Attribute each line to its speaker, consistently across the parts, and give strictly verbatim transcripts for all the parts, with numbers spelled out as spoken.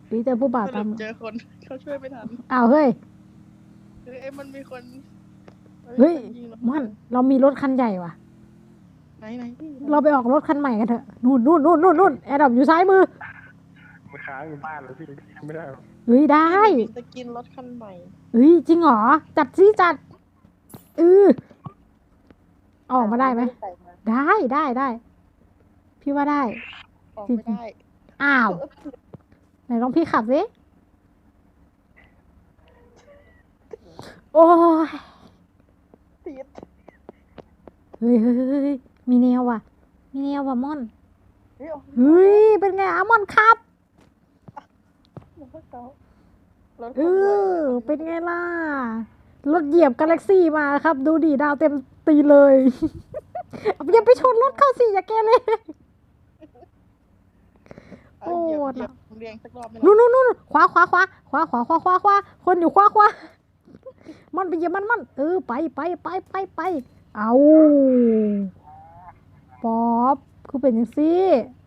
Speaker 1: ปีเจอผู้บ่าว
Speaker 2: ส
Speaker 1: ตา
Speaker 2: รุ
Speaker 1: ม
Speaker 2: ปเจอคนเขาช่วยไม่ทัน
Speaker 1: อ้าวเฮ้ย
Speaker 2: เฮ้ยมันมีคน
Speaker 1: เฮ้ย
Speaker 2: ยิงเรา
Speaker 1: มันเรามีรถคันใหญ่ว่ะ
Speaker 2: ไหนไหนพี่
Speaker 1: เราไปออกรถคันใหม่กันเถอะนู่นนู่นนู่นนู่นนู่นแอร์ดรอปอยู่ซ้ายมือ
Speaker 3: มันค้างอยู่บ้านเลยพี่ไม่ได้หรอก
Speaker 1: เฮ้ยได้
Speaker 2: มีสกินรถคันใหม่
Speaker 1: เฮ้ยจริงเหรอจัดซิจัดเออออกมาได้ไหม
Speaker 2: ใส่า
Speaker 1: ได้ได้ได้ พี่ว่าได้
Speaker 2: ออกไม่ได้
Speaker 1: อ้าวไหนลองพี่ขับสิโอ้ย
Speaker 2: ติด
Speaker 1: เฮ้ยเฮ้ยเฮ้ยเฮ้ยมีแนวว่ะ มีแนวว่ะม่อน
Speaker 2: เฮ้ยออก
Speaker 1: เฮ้ยเป็นไงอะม่อนครับ
Speaker 2: รถเขารถ
Speaker 1: เอ
Speaker 2: คนรวย
Speaker 1: อเป็นไงล่ะรถเหยียบกาแล็กซี่มาครับ ดูดิดาวเต็มตีเลย อย่าไปชนรถเข้าสิอย่าแกเลย
Speaker 2: เอาเหยียบ
Speaker 1: โอ้
Speaker 2: เหยียบเรียงสักรอบไหม
Speaker 1: นู่นนู่นนู่นขวาขวาขวาขวาขวาขวาขวาขวาคนอยู่ขวาขวามันไปเหยียบมันมันเออไปไปไปไปไปเอาป๊อปคือเป็นอย่างซี่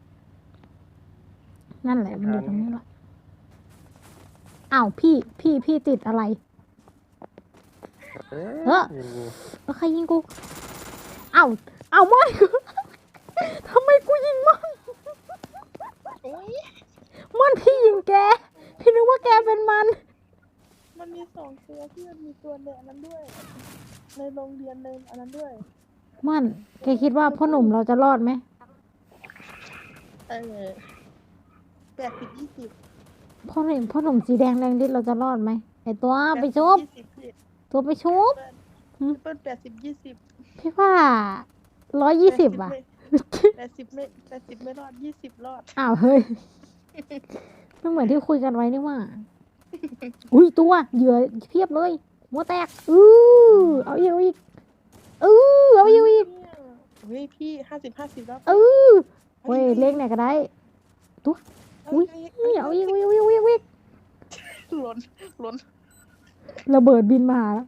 Speaker 1: นั่นแหละมันอยู่ตรงนี้แหละอ้าวพี่พี่พี่ติดอะไร
Speaker 3: เอ๊ะ
Speaker 1: เออ
Speaker 3: ยิงงู
Speaker 1: เออใครยิงกูเอ้าเอ้าไม่กู ทำไมกูยิงมัน
Speaker 2: โอ้ย
Speaker 1: มันพี่ยิงแกพี่นึกว่าแกเป็นมัน
Speaker 2: มันมีสองตัวที่มันมีตัวในอันนั้นด้วย ในโรงเรียนในอันนั้นด้วย
Speaker 1: มันแกคิดว่าพ่อหนุ่มเราจะรอดไหม
Speaker 2: เออแปดสิบยี่สิบ
Speaker 1: พ่อหนุ่มพ่อหนุ่มสีแดงแรงดิดเราจะรอดไหมไอตัวไปชุบ
Speaker 2: ยี่สิบพี่
Speaker 1: ตัวไปชุบ
Speaker 2: เปิ้ลแปดสิบยี่สิบ
Speaker 1: พี่ว่าร้อยยี่สิบอ่ะ
Speaker 2: แปดสิบไม่แปดสิบไม่รอดยี่สิบรอด
Speaker 1: อ้าวเฮ้ยไม่เหมือนที่คุยกันไว้นี่ว่า อุ้ยตัวเหยื่อเพียบเลยหัวแตกอือเอาอีกเอาอีกเออเอาอีกเอาอีก
Speaker 2: เฮ้ยพี่ห้าสิบห้าสิบแล้ว
Speaker 1: เออเว้ยเล็กไหนก็ได้ตัวอุ้ยเอาอีกเอาอีกเอาอีกเอาอีกเอาอีก
Speaker 2: หล่นหล่น
Speaker 1: ระเบิดบินมาหาแล้ว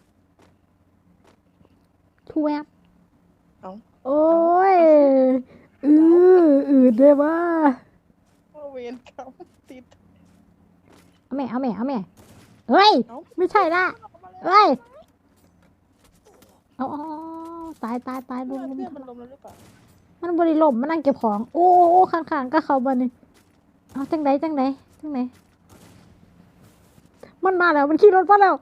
Speaker 1: ทูแวบ
Speaker 2: เอา
Speaker 1: โอ้ยอืออืดเลยว่า
Speaker 2: เอาเวนเขาติด
Speaker 1: เอาแม่เอาแม่เอาแม่เฮ้ย
Speaker 2: เอ้า
Speaker 1: ไม่ใช่ละเฮ้ยเอาเอาเอาตายตายตายลุ
Speaker 2: เพื่อน
Speaker 1: มลุม
Speaker 2: เพื่อนมันลมแล้วหรือเปล่า
Speaker 1: มันบริลมมันนั่งเก็บของ โอ้โอ้ข้างๆก็เขาบันนี่เอาจังไดจังไดจังไดมันมาแล้วมันขี่รถมาแล้ว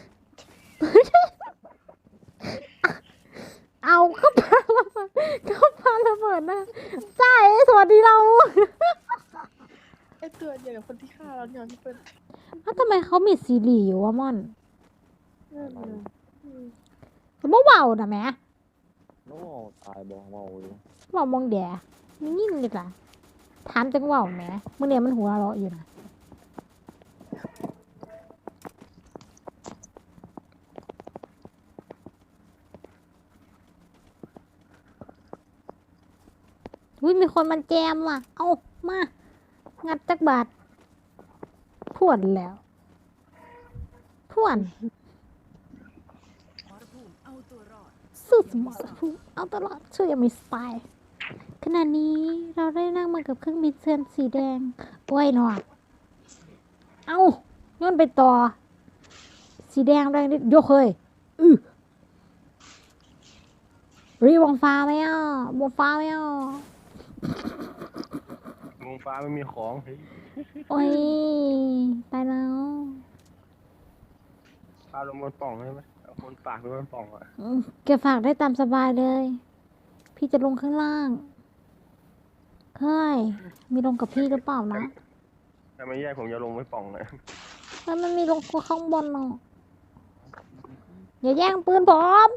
Speaker 1: เอาเข้าพาระเบิดเข้าพาระเบิดนะใช่สวัสดีเรา
Speaker 2: ไอตัวเดียวกับคนที่ฆ่าเราเนี่ยพี่เปิ้ล
Speaker 1: อ้าวทำไมเขามีซีรีส์อยู่วะม่อน
Speaker 2: นั่นเลยอืม
Speaker 1: เขาบอกเบานะแหม่
Speaker 3: โอ้ตายบอกเมาอยู่
Speaker 1: เบามองแดมันยิ่งเลยล่ะถามจังเบาแหม่เมื่อเนี่ยมันหัวเราะอยู่นะอุ้ยมีคนมันแจมว่ะ เอามา งัดจักบาทพวนแล้วพวนสุดสมรภูมิเอาตลอดช่วยยังมีสไตล์ขณะนี้เราได้นั่งมากับเครื่องบินเซนสีแดงโอ้ยหนอเอาโย้อนไปต่อ สีแดงแรงนิดยกเฮ้ยอือรีวงฟ้าไหมอ่ะวงฟ้าไหมอ่ะ
Speaker 3: งูฟ้าไม่มีของเฮ้ย
Speaker 1: โอ้ยตายแล้ว
Speaker 3: พาลงบนปล่องใช่ไหมเอาคนปากไปบนปล่องอ่ะ
Speaker 1: อืมแกฝากได้ตามสบายเลย พี่จะลงข้างล่างเฮ้ยมีลงกับพี่หรือเปล่านะ
Speaker 3: ถ้าไม่แยกผมจะลงไว้ปล่องเลย
Speaker 1: แล้วมันมีลงข้างบนเนาะอย่าแย่งปืนผม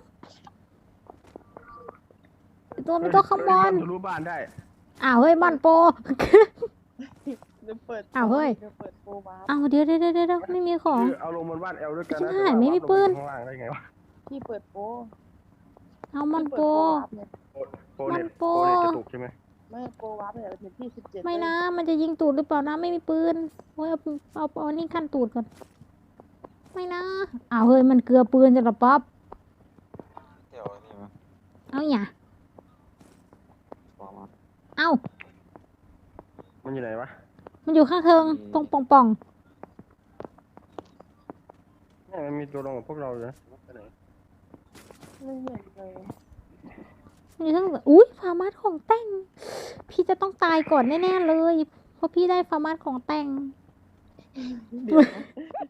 Speaker 1: ไอ้ตัวมีตัวข้างบน
Speaker 3: รู้บ้านได้
Speaker 1: อ้าวเฮ้ยมันโป
Speaker 2: เดี๋ยวเปิด
Speaker 1: อ้าวเฮ้ย
Speaker 2: ดี๋วเปิดโปรวาร์ป
Speaker 1: อ้าวเดี๋ยวเดี๋ยวเดี๋ยวเดี๋ยวไม่มีของ
Speaker 3: คือเอาลงบนบ้านแอลด้วยกันนะ
Speaker 1: ใช่ไม่มีปืน
Speaker 3: ข้างล่างได้ไงวะ
Speaker 2: พี่เปิดโปร
Speaker 1: เอามันโป
Speaker 2: พี่เปิดโปรวาร์ปเนี่ย
Speaker 3: โปรเน็ต
Speaker 1: มันโปร
Speaker 3: โปรเน็ตกระตุกใช่ไหม
Speaker 2: ไม่โปรวาร์ปเนี่ยเป็นที่สิบเจ็ด
Speaker 1: ไม่นะ มันจะยิงตูดหรือเปล่านะไม่มีปืนโอ้ยเอาเอาเอานี่ขั้นตูดก่อนไม่นะอ้าวเฮ้ยมันเกลือปืนจะหรอป๊อป
Speaker 3: เดี๋ยวนี่มั้ย
Speaker 1: เอาอย่า
Speaker 3: ปล่องมา
Speaker 1: เอา
Speaker 3: มันอยู่ไหนวะ
Speaker 1: มันมันอยู่ข้างเทิงตรงป่องป่อง
Speaker 3: เนี่ยมันมีตัวลงกับพวกเราเลยนะไปไหน
Speaker 2: ไม่เห็นเลย
Speaker 1: ๆมันอยู่ข้างอุ้ยฟาร์มาสของแต่ง พี่จะต้องตายก่อนแน่ๆเลย เพราะพี่ได้ฟาร์มาสของแต่ง
Speaker 2: เดี๋ยวนะ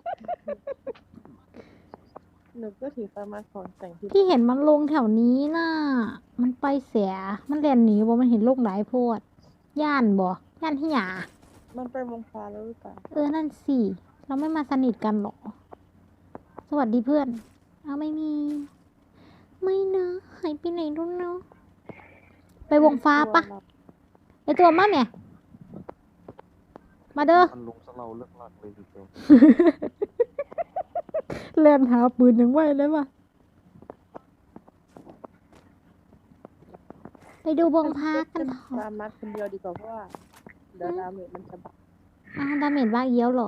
Speaker 2: หนูก็ถือฟาร์มาของแต่งที่
Speaker 1: พี่เห็นมันลงแถวนี้น่ะ มันไปเสีย มันเรียนหนีบ่มันเห็นโลกหลายโพด ย่านบ่ ย่านที่หยา
Speaker 2: มันไปวงฟ้าแล้วหรือเปล่า
Speaker 1: เออ นั่นสิ เราไม่มาสนิทกันหรอ สวัสดีเพื่อน เอาไม่มี ไม่นะหายไปไหนรู้เนาะ ไปวงฟ้าปะ ไอตัวมาเนี่ย มาเด้อ
Speaker 3: มันลงสเราเลิกลักเลยทีเดียว
Speaker 1: เล่นหาปืนยังไหวเลยว่ะ ไปดูวงพากันเถ
Speaker 2: ฟา
Speaker 1: อะ
Speaker 2: ร์มาคนเดียวดีกว่าเพราะว่าเดี๋ยวดาเมจมันจะบัก
Speaker 1: อ้าวดาเมจบ้าเยี่ยวเหรอ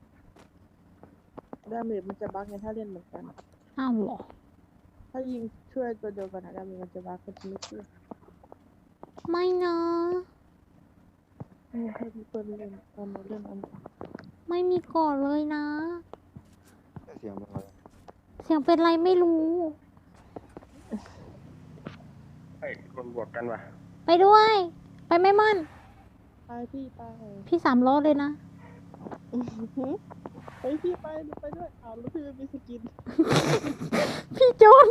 Speaker 2: ดาเมจมันจะบักไงถ้าเล่นเหมือนกัน
Speaker 1: อ้าวเหรอ
Speaker 2: ถ้ายิงช่วยตัวเดียวกันนะดาเมจมันจะบักก็จะไม่ช่วย
Speaker 1: ไม่นะ
Speaker 2: นี่ให้พี่เปิ้ลเล่นตอนนี้เล่นอัน
Speaker 1: ไม่มีก่อนเลยนะ
Speaker 3: เสียงเป็นไร
Speaker 1: เสียงเป็นไรไม่รู้
Speaker 3: ไอ้คนบวกกันว่ะ
Speaker 1: ไปด้วย ไปไม่มั่น
Speaker 2: ไปพี่ไป
Speaker 1: พี่สามล้อเลยนะ
Speaker 2: ไปพี่ไปหนูไปด้วยอ้าวแล้วพี่ไม่มีสกิน
Speaker 1: พี่โจน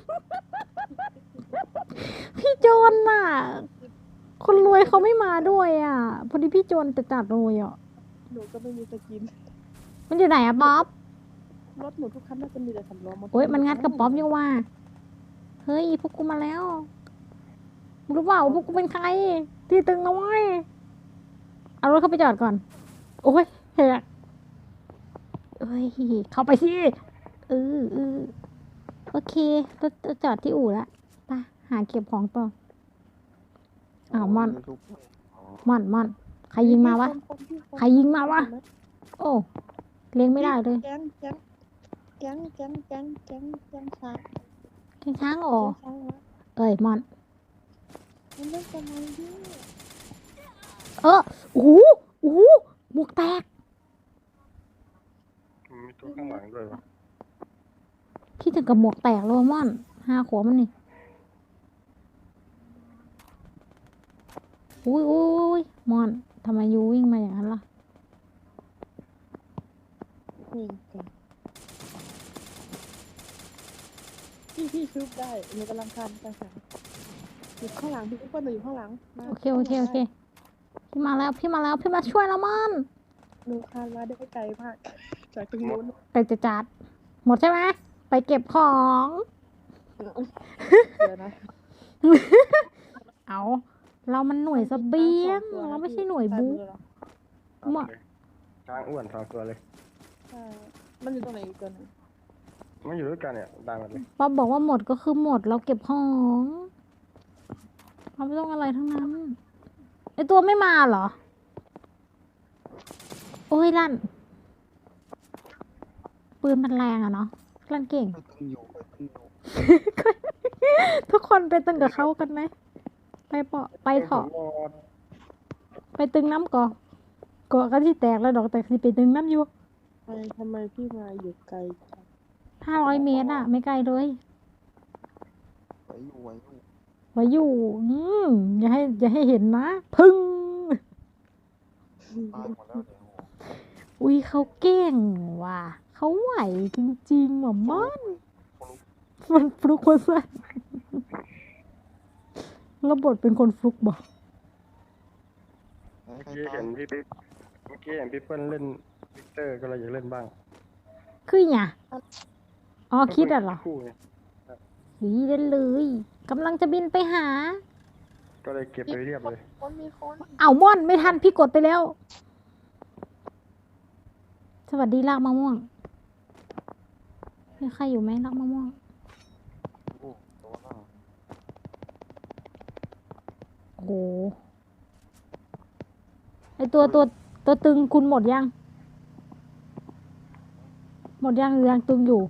Speaker 1: พี่โจนน่ะ คนรวยเขาไม่มาด้วยอ่ะ พอดีพี่โจนแต่จัดเลยอ่ะ
Speaker 2: หนูก็ไม่มีสกิน
Speaker 1: มันอยู่ไหนอะป๊อป
Speaker 2: รถหนูทุกคันน่าจะมีแต่สำรอง
Speaker 1: โอ๊ยมันงัดกับป๊อปยังว่า เฮ้ยพวกกูมาแล้ว รู้เปล่าว่าพวกกูเป็นใคร ที่ตึงนะเว้ยเอารถเข้าไปจอดก่อน โอ้ยแหกเอ้ย เข้าไปสิเออเออโอเครถจอดที่อู่ละไปหาเก็บของต่อ อ้าวม่อน ม่อนม่อน ใครยิงมาวะ ใครยิงมาวะ โอ้ เลี้ยงไม่ได้เลย
Speaker 2: แก๊งแก๊งแก๊งแก๊งแก๊งแก๊งแก๊งช้าง
Speaker 1: แข่งช้างอ๋อ
Speaker 2: แก๊งช้างวะ
Speaker 1: เอ้ยม่อน
Speaker 2: มันเล่นกันมาดิ
Speaker 1: เออโอ้โหโอ้โหหมวกแตก
Speaker 3: มีตัวข้างหลังด้วยวะ
Speaker 1: พี่ถึงกับหมวกแตกแล้วอะม่อนห้าขวบมันนี่อุ้ยอุ้ยอุ้ยม่อนทำไมยูวิ่งมาอย่างนั้นล่ะ
Speaker 2: นี่แกพี่พี่ชุบได้หนูกำลังทำไปค่ะอยู่ข้างหลังพี่เปิ้ลหนูอยู่ข้างหลังมา
Speaker 1: โอเคโอเคโอเค พี่มาแล้วพี่มาแล้วพี่มาช่วยแล้วม่อน
Speaker 2: หนูคานมาได้ไกลมากจากตรงนู้น
Speaker 1: ไปจะจัด หมดใช่ไหมไปเก็บของ
Speaker 2: เดี๋ยวนะ
Speaker 1: เอาเรามันหน่วยเสเบียง เราไม่ใช่หน่วยบู๊ หมด
Speaker 3: ช้างอ้วนสองตัวเลย
Speaker 2: ใช่มันอยู่ตรงไหนอีกตัวหนึง
Speaker 3: มันอยู่ด้วยกันเนี่ยดังกันเลย
Speaker 1: ป๊อบบอกว่าหมดก็คือหมดเราเก็บของเราไม่ต้องอะไรทั้งนั้นไอตัวไม่มาเหรอ โอ้ยลั่น ปืนมันแรงอะเนาะลั่นเก่ง
Speaker 3: ตึงอยู่ตึงอยู่
Speaker 1: ทุกคนไปตึงกับเขากันไหมไปเปาะไปเถาะ
Speaker 3: ผมรอ
Speaker 1: ไปตึงน้ำก่อก่อก็ที่แตกแล้วดอกแต่ที่ไปตึงน้ำอยู่
Speaker 2: ทำไมทำไมพี่มาอยู่ไกลจัง
Speaker 1: ห้าร้อยเมตรอะไม่ไกลเลย
Speaker 3: ไว้อยู่ไว้อยู่
Speaker 1: ไว้อยู่ อืมอย่าให้ อย่าให้เห็นนะ พึ่ง
Speaker 3: ตายหมดแล้วเดี๋ยว
Speaker 1: อุ้ยเขาเก่งว่ะเขาไหวจริงๆหมอมอนมันฟลุกคนสั้นระบทเป็นคนฟลุกบอก
Speaker 3: เมื่อกี้เห็นพี่ปิ๊กเมื่อกี้เห็นพี่เปิ้ลเล่นวิกเตอร์ก็เลยอยากเล่นบ้าง
Speaker 1: คือไงอ๋อคิดอ่ะเหรอ
Speaker 3: คู่ไง
Speaker 1: หีเล่นเลยกำลังจะบินไปหา
Speaker 3: ก็เลยเก็บไปเรียบเลย
Speaker 2: คนมีคน
Speaker 1: เอาม่อนไม่ทันพี่กดไปแล้ว สวัสดีลากมะม่วงมีใครอยู่ไหมลากมะม่วง
Speaker 3: โอ้ตัวหน้า
Speaker 1: โอ้โหไอตัวตัวตัวตึงคุณหมดยัง หมดยังหรือยังตึงอยู่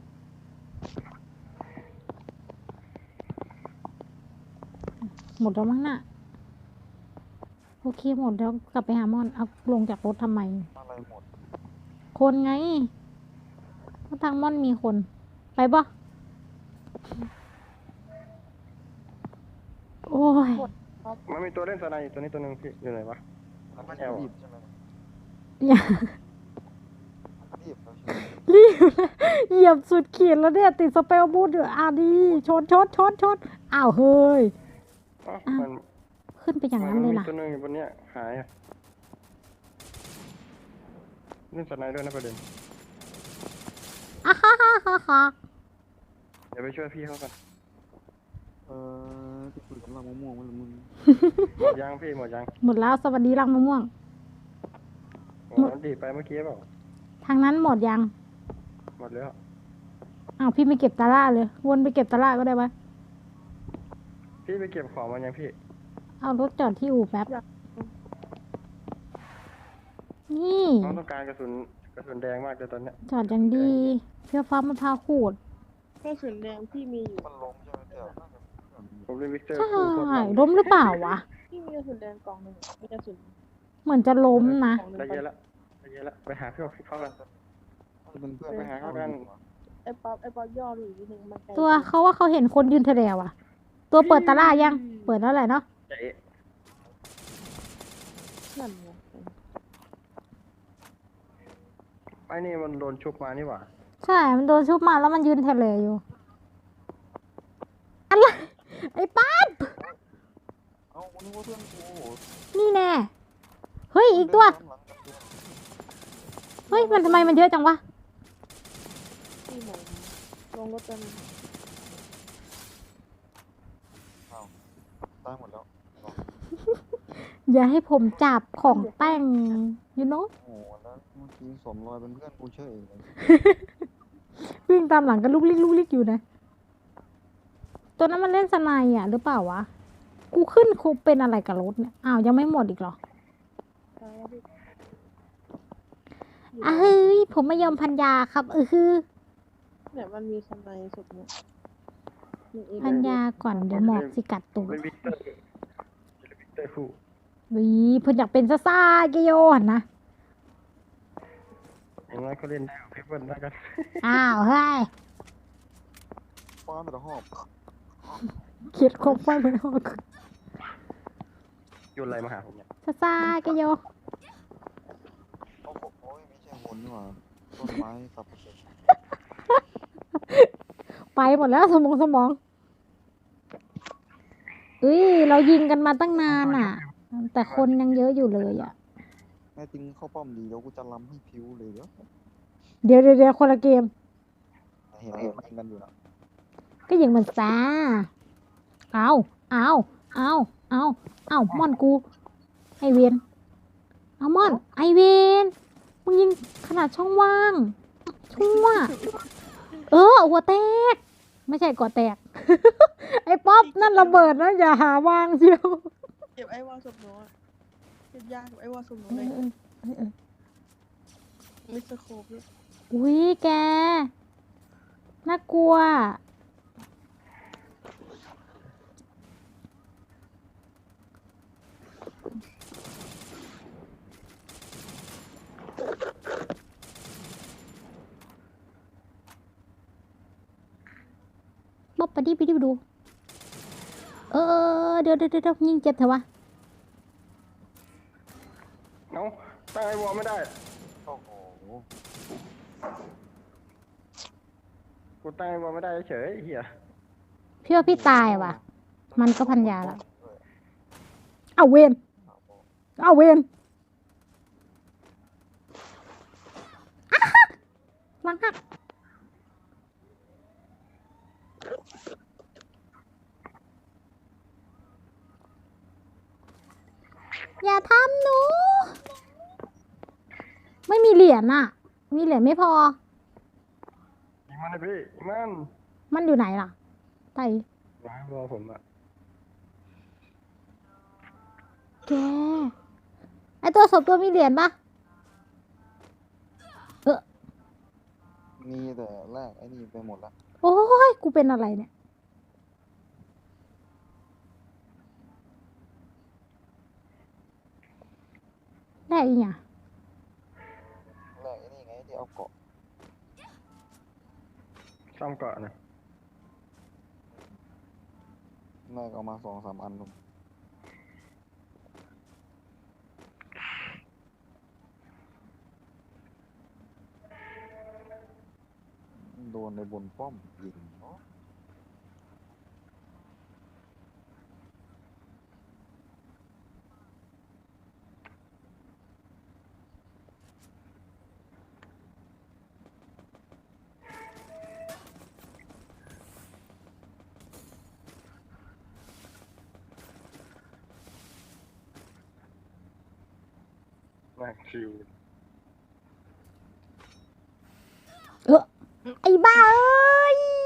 Speaker 1: หมดแล้วมั้งน่ะโอเคหมดแล้วกลับไปหาม่อนเอาลงจากรถทำไม
Speaker 4: อะไรหมด
Speaker 1: คนไงก็ทางม่อนมีคน ไปบ่โอ้ย
Speaker 3: มันมีตัวเล่นสไนด์ตัวนี้ตัวหนึงพี่อยู่ไหนวะ
Speaker 4: มันไม่ใช่รีบใช่ไหม
Speaker 1: อย่า
Speaker 4: รีบแล้วใช่ไหม
Speaker 1: รีบนะเหยียบสุดขีดแล้วเนี่ย ติดสเปลบูทอยู่อ่ะดีชนชนชนชนอ้าวเฮ้ย
Speaker 3: อ๋อ
Speaker 1: อ้าว
Speaker 3: มัน
Speaker 1: ขึ้นไปอย่างนั้น
Speaker 3: มั
Speaker 1: เลย
Speaker 3: มี
Speaker 1: ล่ะ
Speaker 3: ตัวหนึงอยู่บนเนี้ยหายอะเล่นสไนด์ด้วยนะประเด็น
Speaker 1: อ่ะฮ่าฮ่าฮ่าฮ่า
Speaker 3: เดี๋ยวไปช่วยพี่เขากัน
Speaker 4: เออที่คุยกับเรามะม่วงมันมึง
Speaker 3: หมดยังพี่หมดยัง
Speaker 1: หมดแล้วสวัสดีรังมะม่วง
Speaker 3: โอ้มันดีดไปเมื่อกี้เปล่า
Speaker 1: ทางนั้นหมดยัง
Speaker 3: หมดแล้ว
Speaker 1: อ้าวพี่ไม่เก็บตะล่าเลย วนไปเก็บตะล่าก็ได้ปะ
Speaker 3: พี่ไปเก็บของมายังพี่
Speaker 1: เอารถจอดที่อู่แป๊บ นี่
Speaker 3: น้องต้องการกระสุนกระสุนแดงมากเลยตอนเนี้ย
Speaker 1: จอดอย่างดีเพื่อฟ้ามะพร้าวขูด
Speaker 2: กระสุนแดงพี่มีอยู่
Speaker 4: มันล้มใช่ไหมเดี๋ยวน่าจะ
Speaker 3: ผมเล่นวิกเตอร์
Speaker 1: ใช่
Speaker 3: คู่โคตรมัน
Speaker 1: ล้มหรือเปล่าวะ
Speaker 2: พี่มีกระสุนแดงกล่องหนึ่งมีกระสุน
Speaker 1: เหมือนจะล้มนะ
Speaker 2: กล่องหนึ่ง
Speaker 3: ได้เยอะละได้เยอะละไปหาพี่เขากัน
Speaker 4: จะเป็นเพื่อน
Speaker 3: ไปหาเขากัน
Speaker 2: ไอ้ป๊อปไอ้ป๊อปย่อดูอีกนิดนึงมันไกล
Speaker 1: ตัวเขาว่าเขาเห็นคนยืนแถวอ่ะ ตัวเปิดตะล่ายัง เปิดแล้วแหละเนาะ
Speaker 3: เจ๊
Speaker 2: นั่นไง
Speaker 3: ไอ้นี่มันโดนชุบมานี่หว่า
Speaker 1: ใช่ มันโดนชุบมาแล้วมันยืนแถวอยู่ อะไร ไอ้ป๊าบ
Speaker 4: เอ้าวันนี้ว่าเพื่อนกู
Speaker 1: นี่แน่ เฮ้ย อีกตัว เฮ้ย มันทำไมมันเยอะจังวะ
Speaker 2: พี่หมลงรถกัน
Speaker 4: ตายหมดแล้ว
Speaker 1: อย่าให้ผมจับของแต่ง you know
Speaker 4: โอ้โหแล้วเมื่อกี้สวมรอยเป็นเพื่อนกูเฉยเลย
Speaker 1: วิ่งตามหลังกันลุกลิกลุกลิกอยู่นะ ตัวนั้นมันเล่นสไนด์อ่ะ หรือเปล่าวะ กูขึ้นคุกเป็นอะไรกับรถเนี่ย อ้าว ยังไม่หมดอีกเหรอ
Speaker 2: ตายแล้วพี่
Speaker 1: อ่ะเฮ้ย ผมไม่ยอมพันยาครับเออคือ
Speaker 2: เนี่ยมันมีสไนด์สุดเนี่ยมีเอง
Speaker 1: พันยาก่อนเดี๋ยวหมอกสิกัดตูด
Speaker 3: เล่นวิกเตอร์เล่นวิกเตอร์คู่
Speaker 1: วีเพิ่นอยากเป็นซ่าซ่าเกโยหันนะ
Speaker 3: อย่างน้อยเขาเล่นได้กับพี่เปิ้ลได้กัน
Speaker 1: อ้าวเฮ้ย
Speaker 4: ฟ้าแต่ละหอบ
Speaker 1: เขียดครบไปเหมือนออก
Speaker 3: โยนอะไรมาหาผมเนี่ย
Speaker 1: ซ่าซ่าเกโย
Speaker 4: โอ้โหโอ้ยไม่ใช่หุ่นนี่หว่าต้นไม้สับปะรด
Speaker 1: ไปหมดแล้วสมองสมองเอ้ยเรายิงกันมาตั้งนานอ่ะ แต่คนยังเยอะอยู่เลยอ่ะ
Speaker 4: แม่ติงเข้าป้อมดีแล้วกูจะล้ำให้พิวเลยเดี๋ยว
Speaker 1: เดี๋ยวเดี๋ยวเดี๋ยวคนละเกม
Speaker 4: เห็นเห็นยิงกันอยู่นะ
Speaker 1: ก็ยิงมันซ่าเอาเอาเอาเอาเอาม่อนกู ไอเวนเอาม่อน ไอเวนมึงยิงขนาดช่องว่างชั่วเออหัวแตก ไม่ใช่ก่อแตก ไอ้ป๊อปนั่นระเบิดนะอย่าหาวางเชียว
Speaker 2: เก็บไอ้วอลศพหนูอะเก็บยากเก็บไอ้วอลศพหนู
Speaker 1: เอ
Speaker 2: เลย
Speaker 1: อเออเออเออ
Speaker 2: มิสเตอร์โคบด้วย
Speaker 1: อุ้ยแก น่ากลัว บ๊อบไปดิไปดิไปดู เออ เดี๋ยวเดี๋ยวเดี๋ยวยิงเจ็บเถอะวะ
Speaker 3: เอ้าตั้งไอ้วอลไม่ได้
Speaker 4: โอ้โห
Speaker 3: กูตั้งไอ้วอลไม่ได้เฉยไอ้เหี้ย
Speaker 1: พี่ว่าพี่ตายว่ะ มันก็พันยาแล้ว เอาเวนเอาเวนอ่ะฮะหลังหักอย่าทำหนู ไม่มีเหรียญอ่ะ มีเหรียญไม่พอ
Speaker 3: ยิงมันเลยพี่ยิงมัน
Speaker 1: มันอยู่ไหนล่ะไต
Speaker 3: ร้ายวอลผมอะ
Speaker 1: แก ไอตัวศพตัวมีเหรียญปะ
Speaker 4: มีแต่แรกไอ้นี่ไปหมดละ
Speaker 1: โอ้ย กูเป็นอะไรเนี่ยได้อีหยัง
Speaker 4: แรกไอ้นี่ไงที่เอาเกาะ
Speaker 3: ซ่อมเกาะนะ
Speaker 4: แรกเอามาสองสามอันลุงโดนในบนป้อมยิงเนาะ
Speaker 3: มาคิว
Speaker 1: เออไอ้บ้าเอ้ย